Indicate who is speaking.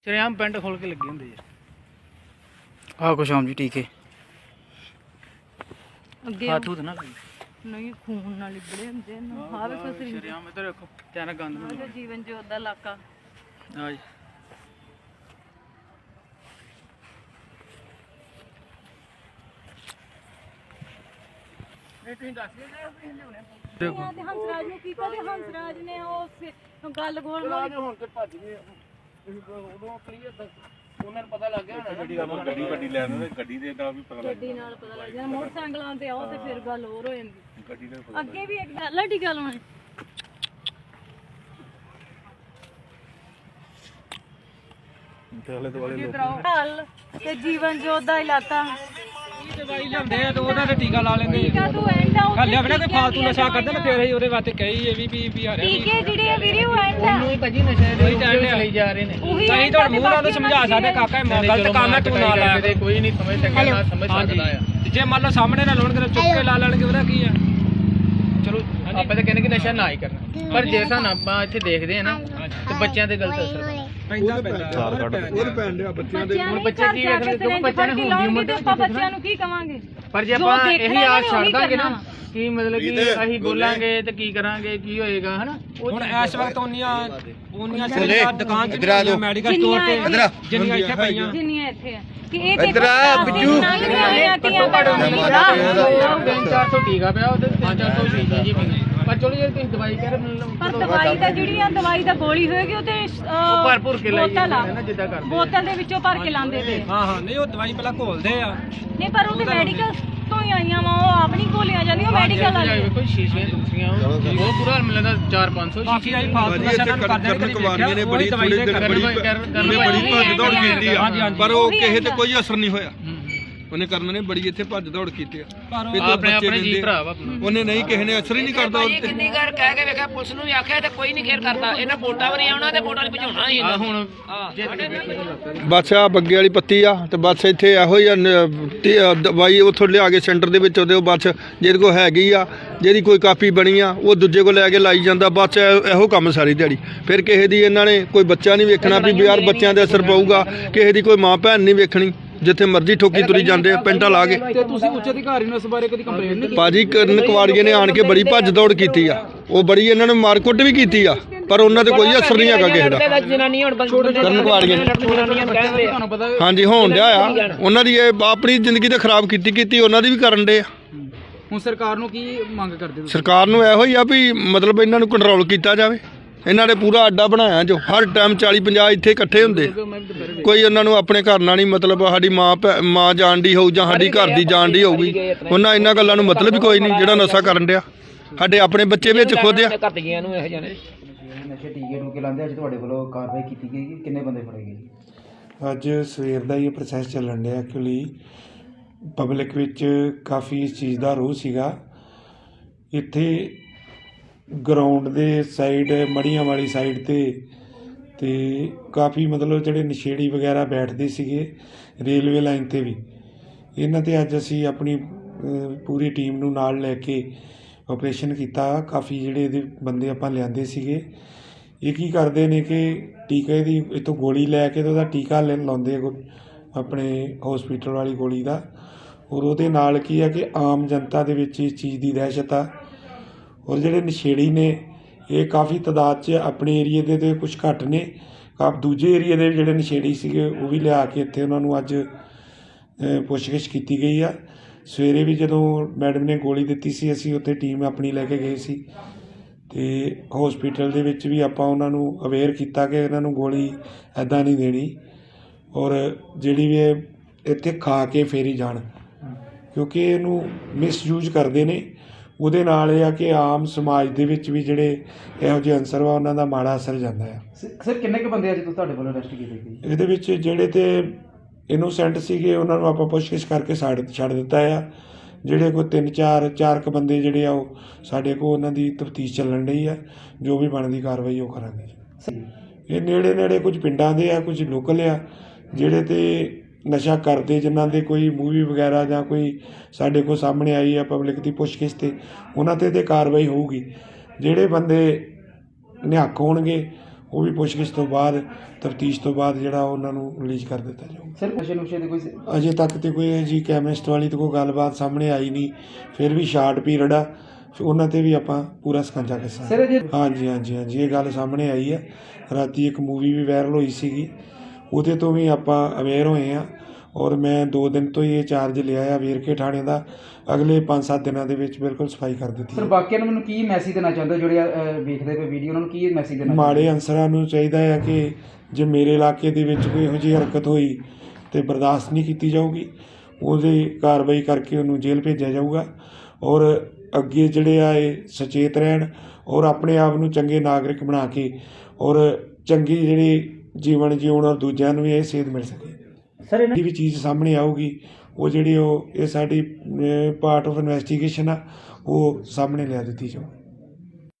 Speaker 1: ਸ਼ਰੇਆਮ ਪਿੰਡ ਖੋਲ ਕੇ ਲੱਗੇ ਹੁੰਦੇ
Speaker 2: ਆਹ ਕੁਛ ਆਮ ਜੀ ਟੀਕੇ
Speaker 3: ਅੱਗੇ
Speaker 1: ਹੱਥ ਹੁੱਥ ਨਾ ਲਾਈ
Speaker 3: ਨਹੀਂ ਖੂਨ ਨਾਲ ਲਿਬੜੇ ਹੁੰਦੇ ਨਾ ਹਾਂ ਵੇਖੋ ਸਰੀਰ
Speaker 1: ਸ਼ਰੇਆਮ ਇੱਧਰ ਵੇਖੋ ਧਿਆਨ ਨਾਲ ਗੰਦ
Speaker 3: ਦਾ ਜੀਵਨ ਜੋਤ ਦਾ ਇਲਾਕਾ
Speaker 1: ਹਾਂ ਜੀ
Speaker 3: ਤੇ ਹੰਸਰਾਜ ਨੂੰ ਕੀਤਾ ਤੇ ਹੰਸਰਾਜ ਨੇ ਉਹ ਗੱਲ ਗੋਲ ਮਾਰੀ
Speaker 1: ਹੁਣ ਤੇ ਭੱਜ ਗਏ ਉਦੋਂ ਕਲੀਅਰ ਉਹਨਾਂ ਨੂੰ ਪਤਾ ਲੱਗ ਗਿਆ ਹੋਣਾ
Speaker 4: ਗੱਡੀ ਵੱਡੀ ਲੈ ਆਉਂਦੇ ਗੱਡੀ ਦੇ ਨਾਲ ਵੀ ਪਤਾ ਲੱਗ
Speaker 3: ਗੱਡੀ ਨਾਲ ਪਤਾ ਲੱਗ ਜਾਂਦਾ ਮੋਟਰਸਾਈਕਲਾਂ ਤੇ ਆਓ ਤੇ ਫਿਰ ਗੱਲ ਹੋਰ ਹੋ ਜਾਂਦੀ
Speaker 4: ਗੱਡੀ ਦੇ
Speaker 3: ਅੱਗੇ ਵੀ ਇੱਕ ਗੱਲ ਆ ਟੀਕਾ ਲਾਉਣਾ
Speaker 4: ਆਲੇ ਦੁਆਲੇ ਲੋਕ
Speaker 3: ਹਲ ਤੇ ਜੀਵਨ ਜੋਤ ਦਾ ਇਲਾਕਾ
Speaker 1: ਦਵਾਈ ਲਿਆਉਂਦੇ ਆ ਤੇ ਉਹਨਾਂ ਦੇ ਟੀਕਾ ਲਾ ਲੈਂਦੇ
Speaker 3: ਟੀਕਾ ਤੂੰ ਐਂਡ ਆ
Speaker 1: ਹੱਲੇ ਆਪਣੇ ਕੋਈ ਫਾਲਤੂ ਨਸ਼ਾ ਕਰਦੇ ਨਾ ਫਿਰ ਅਸੀਂ ਉਹਦੇ ਵਾਸਤੇ ਕਹੀ ਇਹ ਵੀ ਆ ਰਿਹਾ
Speaker 3: ਟੀਕੇ ਜਿਹੜੇ ਆ ਵੀਰੇ ਉਹ ਐਂਡ ਆ
Speaker 1: ਹੀ ਭਾਜੀ ਨਸ਼ੇ ਦੇ ਲਈ ਜਾ ਰਹੇ ਨੇ
Speaker 3: ਉਹੀ
Speaker 1: ਅਸੀਂ ਤੁਹਾਡੇ ਮੂੰਹ ਨਾਲ ਸਮਝਾ ਸਕਦੇ ਕਾਕਾ ਇਹ ਗਲਤ ਕੰਮ ਹੈ ਤੂੰ ਨਾ ਲਾਇਆ ਕੋਈ ਨਹੀਂ ਸਮਝ ਸਕਦਾ ਨਾ ਸਮਝ ਸਕਦਾ ਆ ਜੇ ਮੰਨ ਲਓ ਸਾਹਮਣੇ ਨਾ ਲਾਉਣਗੇ ਤਾਂ ਚੁੱਕ ਕੇ ਲਾ ਲੈਣਗੇ ਉਹਦਾ ਕੀ ਆ ਚਲੋ ਆਪਾਂ ਤਾਂ ਕਹਿੰਦੇ ਕਿ ਨਸ਼ਾ ਨਾ ਹੀ ਕਰਨਾ ਪਰ ਜੇ ਸਾਨੂੰ ਆਪਾਂ ਇੱਥੇ ਦੇਖਦੇ ਆ ਨਾ ਤੇ ਬੱਚਿਆਂ ਤੇ ਗਲਤ ਅਸਰ ਪੈਂਦਾ
Speaker 4: ਉਹਦੇ ਪੈਣ ਡਿਆ ਬੱਚਿਆਂ ਦੇ
Speaker 3: ਹੁਣ ਬੱਚੇ ਕੀ ਵੇਖਣਗੇ ਕਿਉਂਕਿ ਬੱਚਿਆਂ ਨੂੰ ਹੁੰਦੀ ਉਮਰ ਤੇ ਆਪਾਂ ਬੱਚਿਆਂ ਨੂੰ ਕੀ ਕਵਾਂਗੇ
Speaker 1: ਪਰ ਜੇ ਆਪਾਂ ਇਹੀ ਆਸ ਛੱਡ ਦਾਂਗੇ ਨਾ ਕੀ ਮਤਲਬ ਕਿ ਅਸੀਂ ਬੋਲਾਂਗੇ ਤੇ ਕੀ ਕਰਾਂਗੇ ਕੀ ਹੋਏਗਾ ਹਨਾ ਹੁਣ ਇਸ ਵਕਤ ਉਹਨੀਆਂ ਜਿਹੜੀਆਂ ਦੁਕਾਨ ਤੇ ਮੈਡੀਕਲ ਸਟੋਰ ਤੇ ਜਿੰਨੀਆਂ ਇੱਥੇ ਪਈਆਂ
Speaker 3: ਜਿੰਨੀਆਂ ਇੱਥੇ ਆ ਕਿ ਇਹ ਦੇਖੋ ਬਿੱਜੂ
Speaker 1: 400 ਟੀਕਾ ਪਿਆ ਉਹਦੇ 400 ਟੀਕਾ ਜੀ ਪਰ ਚਲੋ ਜੇ ਤੁਸੀਂ ਦਵਾਈ ਕਹਿ ਰਹੇ
Speaker 3: ਪਰ ਦਵਾਈ ਦਾ ਜਿਹੜੀ ਆ ਦਵਾਈ ਦਾ ਗੋਲੀ ਹੋਏਗੀ ਉਹ ਤੇ
Speaker 1: ਭਰਪੂਰ ਕੇ ਲਾਈ
Speaker 3: ਬੋਤਲ ਆ
Speaker 1: ਨਾ ਜਿੱਦਾਂ ਕਰਦੇ
Speaker 3: ਬੋਤਲ ਦੇ ਵਿੱਚੋਂ ਭਰ ਕੇ ਲਾਉਂਦੇ ਤੇ
Speaker 1: ਹਾਂ ਨਹੀਂ ਉਹ ਦਵਾਈ ਪਹਿਲਾਂ ਘੋਲਦੇ ਆ
Speaker 3: ਨਹੀਂ ਪਰ ਉਹ ਤੇ ਮੈਡੀਕਲ ਤੋਂ ਹੀ ਆਈਆਂ ਵਾ ਉਹ ਆਪਣੀ ਗੋਲੀਆਂ ਜਾਂਦੀਆਂ ਮੈਡੀਕਲ ਵਾਲੀ
Speaker 1: ਕੋਈ ਸ਼ੀਸ਼ੀਆਂ ਦੂਸਰੀਆਂ ਉਹ ਪੂਰਾ ਮਿਲਦਾ 4-500 ਸ਼ੀਸ਼ੀ ਆਈ ਫਾਲਤੂ ਨਸ਼ਾ ਕਰਨ
Speaker 4: ਕਵਾਨੀਆਂ ਨੇ ਬੜੀ ਥੋੜੀ ਬੜੀ ਭੱਜ ਦੌੜ ਕੀਤੀ ਆ ਪਰ ਉਹ ਕਿਸੇ ਤੇ ਕੋਈ ਅਸਰ ਨਹੀਂ ਹੋਇਆ ਉਹਨੇ ਕਰਨ ਨੇ ਬੜੀ ਇੱਥੇ ਭੱਜ ਦੌੜ ਕੀਤੀ ਆ
Speaker 1: ਆਪਣੇ ਜੀ ਭਰਾ ਵਾ
Speaker 4: ਉਹਨੇ ਨਹੀਂ ਕਿਸੇ ਨੇ ਅਸਰ ਹੀ ਨਹੀਂ ਕਰਦਾ
Speaker 5: ਕਿੰਨੀ ਵਾਰ ਕਹਿ ਕੇ ਵੇਖਿਆ ਪੁਲਿਸ ਨੂੰ ਵੀ ਆਖਿਆ ਤੇ ਕੋਈ ਨਹੀਂ ਖੇਰ ਕਰਦਾ ਇਹਨਾਂ ਵੋਟਾਂ ਵੀ ਨਹੀਂ ਆਉਣਾ ਤੇ ਵੋਟਾਂ ਨਹੀਂ ਭਜਾਉਣਾ ਸੀ
Speaker 1: ਹੁਣ
Speaker 4: ਬਸ ਆ ਬੱਗੇ ਵਾਲੀ ਪੱਤੀ ਆ ਤੇ ਬਸ ਇੱਥੇ ਇਹੋ ਹੀ ਆ ਦਵਾਈ ਉੱਥੋਂ ਲਿਆ ਕੇ ਸੈਂਟਰ ਦੇ ਵਿੱਚ ਉਹਦੇ ਉਹ ਬਸ ਜਿਹਦੇ ਕੋਲ ਹੈਗੀ ਆ ਜਿਹਦੀ ਕੋਈ ਕਾਪੀ ਬਣੀ ਆ ਉਹ ਦੂਜੇ ਕੋਲ ਲੈ ਕੇ ਲਾਈ ਜਾਂਦਾ ਬਸ ਇਹੋ ਕੰਮ ਸਾਰੀ ਦਿਹਾੜੀ ਫਿਰ ਕਿਸੇ ਦੀ ਇਹਨਾਂ ਨੇ ਕੋਈ ਬੱਚਾ ਨਹੀਂ ਵੇਖਣਾ ਵੀ ਯਾਰ ਬੱਚਿਆਂ ਦੇ ਅਸਰ ਪਊਗਾ ਕਿਸੇ ਦੀ ਕੋਈ ਮਾਂ ਭੈਣ ਨਹੀਂ ਵੇਖਣੀ ਜਿੱਥੇ ਮਰਜ਼ੀ ਠੋਕੀ ਤੁਰੀ ਜਾਂਦੇ ਆ ਪਿੰਟਾਂ ਲਾ ਕੇ
Speaker 1: ਤੇ ਤੁਸੀਂ ਉੱਚ ਅਧਿਕਾਰੀ ਨੂੰ ਇਸ ਬਾਰੇ ਕਦੀ ਕੰਪਲੇਂਟ ਨਹੀਂ
Speaker 4: ਭਾਜੀ ਕਰਨ ਕਵਾੜੀਏ ਨੇ ਆਣ ਕੇ ਬੜੀ ਭੱਜ ਦੌੜ ਕੀਤੀ ਆ ਉਹ ਬੜੀ ਇਹਨਾਂ ਨੇ ਮਾਰਕੁੱਟ ਵੀ ਕੀਤੀ ਆ ਪਰ ਉਹਨਾਂ ਤੇ ਕੋਈ ਅਸਰ ਨਹੀਂ ਹੈਗਾ ਕਿਸੇ ਦਾ
Speaker 5: ਜਨਾਨੀ ਹੁਣ
Speaker 4: ਕਰਨ ਕਵਾੜੀਏ
Speaker 5: ਜਨਾਨੀਆਂ ਕਹਿੰਦੇ
Speaker 1: ਤੁਹਾਨੂੰ ਪਤਾ
Speaker 4: ਹਾਂਜੀ ਹੋਣ ਡਿਆ ਆ ਉਹਨਾਂ ਦੀ ਇਹ ਆਪਣੀ ਜ਼ਿੰਦਗੀ ਤੇ ਖਰਾਬ ਕੀਤੀ ਉਹਨਾਂ ਦੀ ਵੀ ਕਰਨ ਡੇ ਆ
Speaker 1: ਹੁਣ ਸਰਕਾਰ ਨੂੰ ਕੀ ਮੰਗ ਕਰਦੇ ਤੁਸੀਂ
Speaker 4: ਸਰਕਾਰ ਨੂੰ ਇਹੋ ਹੀ ਆ ਵੀ ਮਤਲਬ ਇਹਨਾਂ ਨੂੰ ਕੰਟਰੋਲ ਕੀਤਾ ਜਾਵੇ ਇਹਨਾਂ ਨੇ ਪੂਰਾ ਅੱਡਾ ਬਣਾਇਆ ਜੋ ਹਰ ਟਾਈਮ 40-50 ਇੱਥੇ ਇਕੱਠੇ ਹੁੰਦੇ ਕੋਈ ਉਹਨਾਂ ਨੂੰ ਆਪਣੇ ਘਰ ਨਾਲ ਨਹੀਂ ਮਤਲਬ ਸਾਡੀ ਮਾਂ ਜਾਣਦੀ ਹੋਊ ਜਾਂ ਸਾਡੀ ਘਰ ਦੀ ਜਾਣਦੀ ਹੋਊਗੀ ਉਹਨਾਂ ਇਹਨਾਂ ਗੱਲਾਂ ਨੂੰ ਮਤਲਬ ਹੀ ਕੋਈ ਨਹੀਂ ਜਿਹੜਾ ਨਸ਼ਾ ਕਰਨ ਡਿਆ ਸਾਡੇ ਆਪਣੇ ਬੱਚੇ ਵਿੱਚ ਖੁਦ ਆ
Speaker 5: ਘਰ ਦੀਆਂ ਨੂੰ ਇਹੋ ਜਿਹੇ
Speaker 2: ਨਸ਼ੇ ਟੀਕੇ ਟੂਕੇ ਲਾਉਂਦੇ ਅੱਜ ਤੁਹਾਡੇ ਵੱਲੋਂ ਕਾਰਵਾਈ ਕੀਤੀ ਗਈ ਕਿੰਨੇ ਬੰਦੇ ਫੜੇ ਗਏ
Speaker 6: ਅੱਜ ਸਵੇਰ ਦਾ ਹੀ ਪ੍ਰੋਸੈਸ ਚੱਲਣ ਡਿਆ ਐਕਚੁਅਲੀ ਪਬਲਿਕ ਵਿੱਚ ਕਾਫੀ ਇਸ ਚੀਜ਼ ਦਾ ਰੋਹ ਸੀਗਾ ਇੱਥੇ ਗਰਾਊਂਡ ਦੇ ਸਾਈਡ ਮੜੀਆਂ ਵਾਲੀ ਸਾਈਡ ਤੇ ਕਾਫੀ ਮਤਲਬ ਜਿਹੜੇ ਨਸ਼ੇੜੀ ਵਗੈਰਾ ਬੈਠਦੇ ਸੀਗੇ ਰੇਲਵੇ ਲਾਈਨ 'ਤੇ ਵੀ ਇਹਨਾਂ 'ਤੇ ਅੱਜ ਅਸੀਂ ਆਪਣੀ ਪੂਰੀ ਟੀਮ ਨੂੰ ਨਾਲ ਲੈ ਕੇ ਆਪਰੇਸ਼ਨ ਕੀਤਾ ਕਾਫੀ ਜਿਹੜੇ ਇਹਦੇ ਬੰਦੇ ਆਪਾਂ ਲਿਆਂਦੇ ਸੀਗੇ ਇਹ ਕੀ ਕਰਦੇ ਨੇ ਕਿ ਟੀਕੇ ਦੀ ਇੱਥੋਂ ਗੋਲੀ ਲੈ ਕੇ ਤੇ ਉਹਦਾ ਟੀਕਾ ਲਾਉਂਦੇ ਆਪਣੇ ਹੌਸਪੀਟਲ ਵਾਲੀ ਗੋਲੀ ਦਾ ਔਰ ਉਹਦੇ ਨਾਲ ਕੀ ਆ ਕਿ ਆਮ ਜਨਤਾ ਦੇ ਵਿੱਚ ਇਸ ਚੀਜ਼ ਦੀ ਦਹਿਸ਼ਤ ਆ ਔਰ ਜਿਹੜੇ ਨਸ਼ੇੜੀ ਨੇ ਇਹ ਕਾਫੀ ਤਾਦਾਦ 'ਚ ਆਪਣੇ ਏਰੀਏ ਦੇ ਤੇ ਕੁਝ ਘੱਟ ਨੇ ਦੂਜੇ ਏਰੀਏ ਦੇ ਜਿਹੜੇ ਨਸ਼ੇੜੀ ਸੀਗੇ ਉਹ ਵੀ ਲਿਆ ਕੇ ਇੱਥੇ ਉਹਨਾਂ ਨੂੰ ਅੱਜ ਪੁੱਛਗਿੱਛ ਕੀਤੀ ਗਈ ਆ ਸਵੇਰੇ ਵੀ ਜਦੋਂ ਮੈਡਮ ਨੇ ਗੋਲੀ ਦਿੱਤੀ ਸੀ ਅਸੀਂ ਉੱਥੇ ਟੀਮ ਆਪਣੀ ਲੈ ਕੇ ਗਏ ਸੀ ਅਤੇ ਹੌਸਪੀਟਲ ਦੇ ਵਿੱਚ ਵੀ ਆਪਾਂ ਉਹਨਾਂ ਨੂੰ ਅਵੇਅਰ ਕੀਤਾ ਕਿ ਇਹਨਾਂ ਨੂੰ ਗੋਲੀ ਇੱਦਾਂ ਨਹੀਂ ਦੇਣੀ ਔਰ ਜਿਹੜੀ ਵੀ ਇਹ ਇੱਥੇ ਖਾ ਕੇ ਫੇਰ ਹੀ ਜਾਣ ਕਿਉਂਕਿ ਇਹਨੂੰ ਮਿਸਯੂਜ਼ ਕਰਦੇ ਨੇ ਉਹਦੇ ਨਾਲ ਇਹ ਆ ਕਿ ਆਮ ਸਮਾਜ ਦੇ ਵਿੱਚ ਵੀ ਜਿਹੜੇ ਇਹੋ ਜਿਹੇ ਅਨਸਰ ਵਾ ਉਹਨਾਂ ਦਾ ਮਾੜਾ ਅਸਰ ਜਾਂਦਾ ਆ
Speaker 2: ਸਰ ਕਿੰਨੇ ਕੁ ਬੰਦੇ ਅੱਜ ਤੁਹਾਡੇ ਵੱਲੋਂ ਅਰੈਸਟ ਕੀਤੇ ਗਏ
Speaker 6: ਇਹਦੇ ਵਿੱਚ ਜਿਹੜੇ ਤੇ ਇਨੋਸੈਂਟ ਸੀਗੇ ਉਹਨਾਂ ਨੂੰ ਆਪਾਂ ਪੁੱਛਗਿੱਛ ਕਰਕੇ ਛੱਡ ਦਿੱਤਾ ਆ ਜਿਹੜੇ ਕੋਈ 3-4 ਕੁ ਬੰਦੇ ਜਿਹੜੇ ਆ ਉਹ ਸਾਡੇ ਕੋਲ ਉਹਨਾਂ ਦੀ ਤਫਤੀਸ਼ ਚੱਲਣ ਡਈ ਆ ਜੋ ਵੀ ਬਣਦੀ ਕਾਰਵਾਈ ਉਹ ਕਰਾਂਗੇ ਇਹ ਨੇੜੇ ਕੁਝ ਪਿੰਡਾਂ ਦੇ ਆ ਕੁਝ ਲੋਕਲ ਆ ਜਿਹੜੇ ਤੇ ਨਸ਼ਾ ਕਰਦੇ ਜਿਨ੍ਹਾਂ ਦੇ ਕੋਈ ਮੂਵੀ ਵਗੈਰਾ ਜਾਂ ਕੋਈ ਸਾਡੇ ਕੋਲ ਸਾਹਮਣੇ ਆਈ ਆ ਪਬਲਿਕ ਦੀ ਪੁੱਛਗਿੱਛ 'ਤੇ ਉਹਨਾਂ 'ਤੇ ਕਾਰਵਾਈ ਹੋਊਗੀ ਜਿਹੜੇ ਬੰਦੇ ਨਿਹੱਕ ਹੋਣਗੇ ਉਹ ਵੀ ਪੁੱਛਗਿੱਛ ਤੋਂ ਬਾਅਦ ਤਫਤੀਸ਼ ਤੋਂ ਬਾਅਦ ਜਿਹੜਾ ਉਹਨਾਂ ਨੂੰ ਰਿਲੀਜ਼ ਕਰ ਦਿੱਤਾ ਜਾਊਗਾ।
Speaker 2: ਸਰ ਨਸ਼ੇ ਨੁਸ਼ੇ ਦੇ ਕੋਈ
Speaker 6: ਅਜੇ ਤੱਕ ਤੇ ਕੋਈ ਜੀ ਕੈਮਿਸਟ ਵਾਲੀ ਤਾਂ ਕੋਈ ਗੱਲਬਾਤ ਸਾਹਮਣੇ ਆਈ ਨਹੀਂ। ਫਿਰ ਵੀ ਸ਼ਾਰਟ ਪੀਰੀਅਡ ਆ, ਉਹਨਾਂ ਤੇ ਵੀ ਆਪਾਂ ਪੂਰਾ ਸਕੰਜਾ ਕੱਸਾਂਗੇ।
Speaker 2: ਸਰ ਜੇ
Speaker 6: ਹਾਂਜੀ ਇਹ ਗੱਲ ਸਾਹਮਣੇ ਆਈ ਹੈ। ਰਾਤੀ ਇੱਕ ਮੂਵੀ ਵੀ ਵਾਇਰਲ ਹੋਈ ਸੀਗੀ, ਉਹਦੇ ਤੋਂ ਵੀ ਆਪਾਂ ਅਵੇਅਰ ਹੋਏ ਹਾਂ ਔਰ ਮੈਂ 2 ਦਿਨ ਤੋਂ ਹੀ ਇਹ ਚਾਰਜ ਲਿਆ ਆ ਵੇਰਕੇ ਥਾਣੇ ਦਾ। ਅਗਲੇ 5-7 ਦਿਨਾਂ ਦੇ ਵਿੱਚ ਬਿਲਕੁਲ ਸਫਾਈ ਕਰ ਦਿੱਤੀ।
Speaker 2: ਸਰ ਬਾਕੀਆਂ ਨੂੰ ਮੈਨੂੰ ਕੀ ਮੈਸੇਜ ਦੇਣਾ ਚਾਹੁੰਦੇ ਜਿਹੜੇ ਵੇਖਦੇ ਪਏ ਵੀਡੀਓ, ਉਹਨਾਂ ਨੂੰ ਕੀ ਮੈਸੇਜ ਦੇਣਾ?
Speaker 6: ਮਾੜੇ ਅਨਸਰਾਂ ਨੂੰ ਚਾਹੀਦਾ ਹੈ ਕਿ ਜੇ ਮੇਰੇ ਇਲਾਕੇ ਦੇ ਵਿੱਚ ਕੋਈ ਇਹੋ ਜਿਹੀ ਹਰਕਤ ਹੋਈ ਤੇ ਬਰਦਾਸ਼ਤ ਨਹੀਂ ਕੀਤੀ ਜਾਊਗੀ, ਉਹਦੀ ਕਾਰਵਾਈ ਕਰਕੇ ਉਹਨੂੰ ਜੇਲ੍ਹ ਭੇਜਿਆ ਜਾਊਗਾ। ਔਰ ਅੱਗੇ ਜਿਹੜੇ ਆ ਇਹ ਸੁਚੇਤ ਰਹਿਣ ਔਰ ਆਪਣੇ ਆਪ ਨੂੰ ਚੰਗੇ ਨਾਗਰਿਕ ਬਣਾ ਕੇ ਔਰ ਚੰਗੀ ਜਿਹੜੀ ਜੀਵਨ ਜਿਉਣ ਔਰ ਦੂਜਿਆਂ ਨੂੰ ਵੀ ਇਹ ਸੇਧ ਮਿਲ ਸਕੇ।
Speaker 2: ਸਰ
Speaker 6: ਜਿਹੜੀ ਵੀ ਚੀਜ਼ ਸਾਹਮਣੇ ਆਊਗੀ ਉਹ ਜਿਹੜੀ ਇਹ ਸਾਡੀ ਪਾਰਟ ਆਫ ਇਨਵੈਸਟੀਗੇਸ਼ਨ ਆ, ਉਹ ਸਾਹਮਣੇ ਲਿਆ ਦਿੱਤੀ ਜਾਊਗੀ।